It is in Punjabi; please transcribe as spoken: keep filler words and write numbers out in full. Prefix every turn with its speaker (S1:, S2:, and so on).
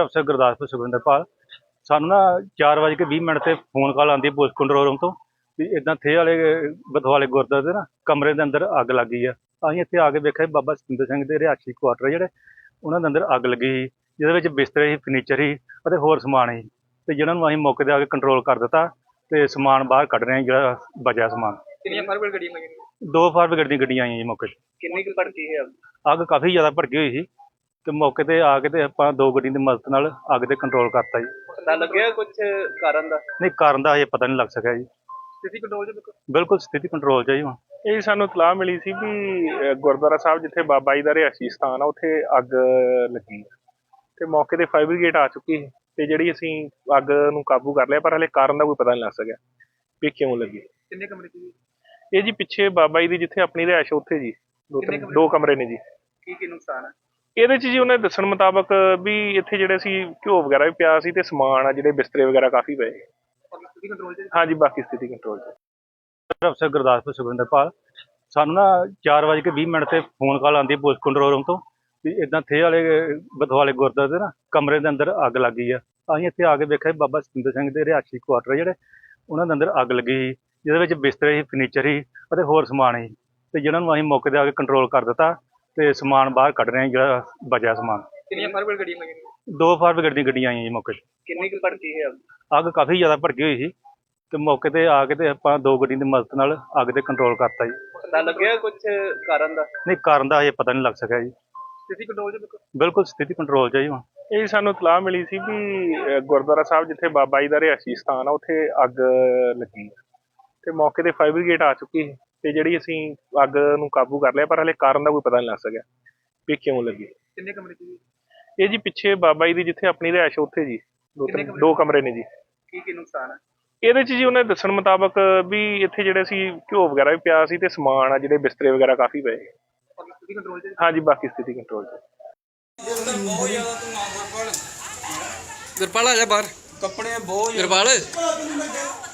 S1: ਅਫਸਰ ਗੁਰਦਾਸਪੁਰ ਸੁਖਵਿੰਦਰਪਾਲ। ਸਾਨੂੰ ਨਾ ਚਾਰ ਵਜੇ ਕੇ ਵੀਹ ਮਿੰਟ ਤੇ ਫੋਨ ਕਾਲ ਆਉਂਦੀ ਹੈ ਪੁਲਿਸ ਕੰਟਰੋਲ ਰੂਮ ਤੋਂ ਵੀ ਇਦਾਂ ਥੇ ਵਾਲੇ ਬਥਵਾਲੇ ਗੁਰਦੁਆਰੇ ਦੇ ਨਾ ਕਮਰੇ ਦੇ ਅੰਦਰ ਅੱਗ ਲੱਗੀ ਆ। ਅਸੀਂ ਇੱਥੇ ਆ ਕੇ ਵੇਖਿਆ ਬਾਬਾ ਸਤਿੰਦਰ ਸਿੰਘ ਦੇ ਰਿਹਾਇਸ਼ੀ ਕੁਆਟਰ ਜਿਹੜੇ ਉਹਨਾਂ ਦੇ ਅੰਦਰ ਅੱਗ ਲੱਗੀ ਸੀ, ਜਿਹਦੇ ਵਿੱਚ ਬਿਸਤਰੇ ਸੀ, ਫਰਨੀਚਰ ਸੀ ਅਤੇ ਹੋਰ ਸਮਾਨ ਸੀ, ਤੇ ਜਿਹਨਾਂ ਨੂੰ ਅਸੀਂ ਮੌਕੇ 'ਤੇ ਆ ਕੇ ਕੰਟਰੋਲ ਕਰ ਦਿੱਤਾ ਤੇ ਸਮਾਨ ਬਾਹਰ ਕੱਢ ਰਹੇ ਹਾਂ ਜਿਹੜਾ ਬਚਿਆ ਸਮਾਨ।
S2: ਕਿੰਨੀਆਂ ਫਾਇਰ ਬ੍ਰਿਗੇਡ ਗੱਡੀਆਂ ਲੱਗੀਆਂ?
S1: ਦੋ ਫਾਇਰ ਬ੍ਰਿਗੇਡ ਦੀਆਂ ਗੱਡੀਆਂ ਆਈਆਂ ਜੀ ਮੌਕੇ 'ਤੇ।
S2: ਕਿੰਨੀ ਕੁ ਭੜਕੀ ਹੈ?
S1: ਅੱਗ ਕਾਫੀ ਜ਼ਿਆਦਾ ਭੜਕੀ ਹੋਈ ਸੀ ਤੇ ਮੌਕੇ 'ਤੇ ਆ ਕੇ ਤੇ ਆਪਾਂ ਦੋ ਗੱਡੀਆਂ ਦੀ ਮਦਦ ਨਾਲ ਅੱਗ 'ਤੇ ਕੰਟਰੋਲ ਕਰਤਾ ਜੀ।
S2: ਪਤਾ ਲੱਗਿਆ ਕੁਝ ਕਾਰਨ ਦਾ?
S1: ਨਹੀਂ, ਕਾਰਨ ਦਾ ਹਜੇ ਪਤਾ ਨਹੀਂ ਲੱਗ ਸਕਿਆ ਜੀ।
S2: ਸਥਿਤੀ ਕੰਟਰੋਲ 'ਚ?
S1: ਬਿਲਕੁਲ ਸਥਿਤੀ ਕੰਟਰੋਲ 'ਚ ਹੈ ਜੀ ਹੁਣ।
S3: ਇਹ ਸਾਨੂੰ ਇਤਲਾਹ ਮਿਲੀ ਸੀ ਵੀ ਅਹ ਗੁਰਦੁਆਰਾ ਸਾਹਿਬ ਜਿੱਥੇ ਬਾਬਾ ਜੀ ਦਾ ਰਿਹਾਇਸ਼ੀ ਸਥਾਨ ਆ ਉੱਥੇ ਅੱਗ ਲੱਗੀ ਹੈ ਤੇ ਮੌਕੇ ਤੇ ਫਾਇਰ ਬ੍ਰਿਗੇਡ ਆ ਚੁੱਕੀ ਹੈ ਤੇ ਜਿਹੜੀ ਅਸੀਂ ਅੱਗ ਨੂੰ ਕਾਬੂ ਕਰ ਲਿਆ, ਪਰ ਹਲੇ ਕਾਰਨ ਦਾ ਕੋਈ ਪਤਾ ਨਹੀਂ ਲੱਗ ਸਕਿਆ ਵੀ ਕਿਉਂ ਲੱਗੀ।
S2: ਕਿੰਨੇ ਕਮਰੇ ਸੀ?
S3: ਇਹ ਜੀ ਪਿੱਛੇ ਬਾਬਾ ਜੀ ਦੀ ਜਿੱਥੇ ਆਪਣੀ ਰਿਹਾਇਸ਼ ਉੱਥੇ ਜੀ ਦੋ ਤਿੰਨ ਦੋ ਕਮਰੇ ਨੇ ਜੀ।
S2: ਕੀ ਕੀ ਨੁਕਸਾਨ ਹੈ
S3: ਇਹਦੇ 'ਚ ਜੀ ਉਹਨਾਂ ਦੇ ਦੱਸਣ ਮੁਤਾਬਕ ਵੀ ਇੱਥੇ ਜਿਹੜੇ ਸੀ ਘਿਓ ਵਗੈਰਾ ਵੀ ਪਿਆ ਸੀ ਤੇ ਸਮਾਨ ਆ ਜਿਹੜੇ ਬਿਸਤਰੇ ਵਗੈਰਾ ਕਾਫੀ ਪਏ।
S2: ਸਥਿਤੀ ਕੰਟਰੋਲ 'ਚ?
S3: ਹਾਂਜੀ, ਬਾਕੀ ਸਥਿਤੀ ਕੰਟਰੋਲ 'ਚ।
S1: ਅਫਸਰ ਗੁਰਦਾਸਪੁਰ ਸੁਖਵਿੰਦਰਪਾਲ। ਸਾਨੂੰ ਨਾ ਚਾਰ ਵਜੇ ਕੇ ਵੀਹ ਮਿੰਟ ਤੇ ਫੋਨ ਕਾਲ ਆਉਂਦੀ ਹੈ ਪੁਲਿਸ ਕੰਟਰੋਲ ਰੂਮ ਤੋਂ ਵੀ ਇਦਾਂ ਥੇ ਵਾਲੇ ਬਥਵਾਲੇ ਗੁਰਦੁਆਰੇ ਦੇ ਨਾ ਕਮਰੇ ਦੇ ਅੰਦਰ ਅੱਗ ਲੱਗੀ ਆ। ਅਸੀਂ ਇੱਥੇ ਆ ਕੇ ਵੇਖਿਆ ਬਾਬਾ ਸਤਿੰਦਰ ਸਿੰਘ ਦੇ ਰਿਹਾਇਸ਼ੀ ਕੁਆਟਰ ਜਿਹੜੇ ਉਹਨਾਂ ਦੇ ਅੰਦਰ ਅੱਗ ਲੱਗੀ ਸੀ, ਜਿਹਦੇ ਵਿੱਚ ਬਿਸਤਰੇ ਸੀ, ਫਰਨੀਚਰ ਸੀ ਅਤੇ ਹੋਰ ਸਮਾਨ ਸੀ, ਤੇ ਜਿਹਨਾਂ ਨੂੰ ਅਸੀਂ ਮੌਕੇ 'ਤੇ ਆ ਕੇ ਕੰਟਰੋਲ ਕਰ ਦਿੱਤਾ ਤੇ ਸਮਾਨ ਬਾਹਰ ਕੱਢ ਰਹੇ ਹਾਂ ਜਿਹੜਾ ਬਚਿਆ ਸਮਾਨ।
S2: ਕਿੰਨੀਆਂ ਫਾਇਰ ਬ੍ਰਿਗੇਡ ਗੱਡੀਆਂ ਲੱਗੀਆਂ?
S1: ਦੋ ਫਾਇਰ ਬ੍ਰਿਗੇਡ ਦੀਆਂ ਗੱਡੀਆਂ ਆਈਆਂ ਜੀ ਮੌਕੇ 'ਤੇ।
S2: ਕਿੰਨੀ ਕੁ ਭੜਕੀ ਹੈ?
S1: ਅੱਗ ਕਾਫੀ ਜ਼ਿਆਦਾ ਭੜਕੀ ਹੋਈ ਸੀ ਤੇ ਮੌਕੇ 'ਤੇ ਆ ਕੇ ਤੇ ਆਪਾਂ ਦੋ ਗੱਡੀਆਂ ਦੀ ਮਦਦ ਨਾਲ ਅੱਗ 'ਤੇ ਕੰਟਰੋਲ ਕਰਤਾ ਜੀ।
S2: ਪਤਾ ਲੱਗਿਆ ਕੁਝ ਕਾਰਨ ਦਾ?
S1: ਨਹੀਂ, ਕਾਰਨ ਦਾ ਹਜੇ ਪਤਾ ਨਹੀਂ ਲੱਗ ਸਕਿਆ ਜੀ।
S2: ਸਥਿਤੀ ਕੰਟਰੋਲ 'ਚ?
S1: ਬਿਲਕੁਲ ਸਥਿਤੀ ਕੰਟਰੋਲ 'ਚ ਹੈ ਜੀ ਹੁਣ।
S3: ਇਹ ਸਾਨੂੰ ਇਤਲਾਹ ਮਿਲੀ ਸੀ ਵੀ ਅਹ ਗੁਰਦੁਆਰਾ ਸਾਹਿਬ ਜਿੱਥੇ ਬਾਬਾ ਜੀ ਦਾ ਰਿਹਾਇਸ਼ੀ ਸਥਾਨ ਆ ਉੱਥੇ ਅੱਗ ਲੱਗੀ ਹੈ ਤੇ ਮੌਕੇ ਤੇ ਫਾਇਰ ਬ੍ਰਿਗੇਡ ਆ ਚੁੱਕੀ ਹੈ ਤੇ ਜਿਹੜੀ ਅਸੀਂ ਅੱਗ ਨੂੰ ਕਾਬੂ ਕਰ ਲਿਆ, ਪਰ ਹਲੇ ਕਾਰਨ ਦਾ ਕੋਈ ਪਤਾ ਨਹੀਂ ਲੱਗ ਸਕਿਆ ਵੀ ਕਿਉਂ ਲੱਗੀ।
S2: ਕਿੰਨੇ ਕਮਰੇ ਸੀ?
S3: ਇਹ ਜੀ ਪਿੱਛੇ ਬਾਬਾ ਜੀ ਦੀ ਜਿੱਥੇ ਆਪਣੀ ਰਿਹਾਇਸ਼ ਉੱਥੇ ਜੀ ਦੋ ਤਿੰਨ ਦੋ ਕਮਰੇ ਨੇ ਜੀ।
S2: ਕੀ ਕੀ ਨੁਕਸਾਨ ਹੈ?
S3: ਇਹਦੇ 'ਚ ਜੀ ਉਹਨਾਂ ਦੇ ਦੱਸਣ ਮੁਤਾਬਕ ਵੀ ਇੱਥੇ ਜਿਹੜੇ ਸੀ ਘਿਓ ਵਗੈਰਾ ਵੀ ਪਿਆ ਸੀ ਤੇ ਸਮਾਨ ਆ ਜਿਹੜੇ ਬਿਸਤਰੇ ਵਗੈਰਾ ਕਾਫੀ ਪਏ।
S2: ਸਥਿਤੀ ਕੰਟਰੋਲ 'ਚ?
S3: ਹਾਂਜੀ, ਬਾਕੀ ਸਥਿਤੀ ਕੰਟਰੋਲ 'ਚ।
S4: ਬਹੁਤ ਜ਼ਿਆਦਾ ਧੂਆਂ ਗੁਰਪਾਲ
S2: ਗੁਰਪਾਲ ਆ ਜਾ ਬਾਹਰ।
S4: ਕੱਪੜੇ ਬਹੁਤ
S2: ਗੁਰਪਾਲ